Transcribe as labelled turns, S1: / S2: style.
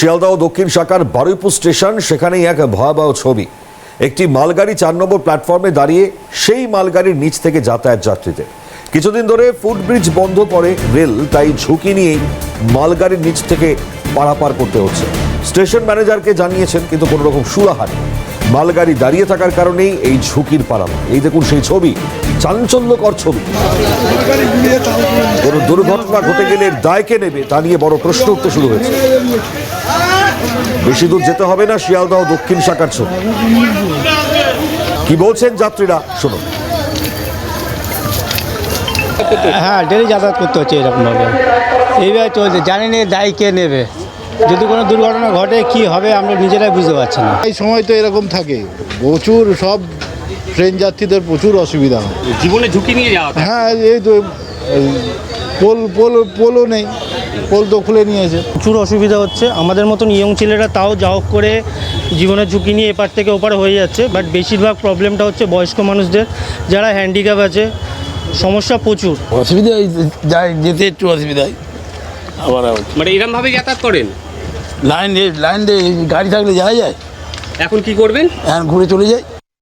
S1: শিয়ালদহ দক্ষিণ শাখার বারুইপুর স্টেশন, সেখানেই এক ভয়াবহ ছবি। একটি মালগাড়ি 4 নম্বর প্ল্যাটফর্মে দাঁড়িয়ে সেই মালগাড়ির নিচ থেকে যাতায়াত যাত্রীদের। কিছুদিন ধরে ফুটব্রিজ বন্ধ করে রেল, তাই ঝুঁকি নিয়েই মালগাড়ির নিচ থেকে পারাপার করতে হচ্ছে। স্টেশন ম্যানেজারকে জানিয়েছেন, কিন্তু কোনো রকম সুরাহা নেই। মালগাড়ি দাঁড়িয়ে থাকার কারণেই এই ঝুঁকির পারাপার। এই দেখুন সেই ছবি, চাঞ্চল্যকর ছবি। কোনো দুর্ঘটনা ঘটে গেলে দায় কে নেবে তা নিয়ে বড় প্রশ্ন উঠতে শুরু হয়েছে। বেশি দূর যেতে হবে না, শিয়ালদহ দক্ষিণ শাখার ছবি। কি বলছেন যাত্রীরা, শুনুন।
S2: হ্যাঁ, ডেলি যাতায়াত করতে হচ্ছে এরকমভাবে, এইভাবে চলছে। জানি না দায় কে নেবে। যদি কোনো দুর্ঘটনা ঘটে কি হবে আমরা নিজেরাই বুঝতে পারছি না।
S3: এই সময় তো এরকম থাকে, প্রচুর সব ট্রেন যাত্রীদের প্রচুর অসুবিধা হয়।
S4: জীবনে ঝুঁকি নিয়ে যাওয়া।
S3: হ্যাঁ, এই তো পোলও নেই, পোল তো খুলে নিয়েছে।
S2: প্রচুর অসুবিধা হচ্ছে। আমাদের মতন ইয়ং ছেলেরা তাও যাও করে জীবনের ঝুঁকি নিয়ে এপার থেকে ওপার হয়ে যাচ্ছে, বাট বেশিরভাগ প্রবলেমটা হচ্ছে বয়স্ক মানুষদের, যারা হ্যান্ডিক্যাপ আছে। সমস্যা প্রচুর।
S5: অসুবিধা যায়, যেতে একটু অসুবিধা হয়। আবার
S4: মানে এরকমভাবে যাতায়াত করেন?
S5: লাইন দিয়ে গাড়ি থাকলে যাওয়া যায়।
S4: এখন কি করবেন?
S5: এখন ঘুরে চলে যাই।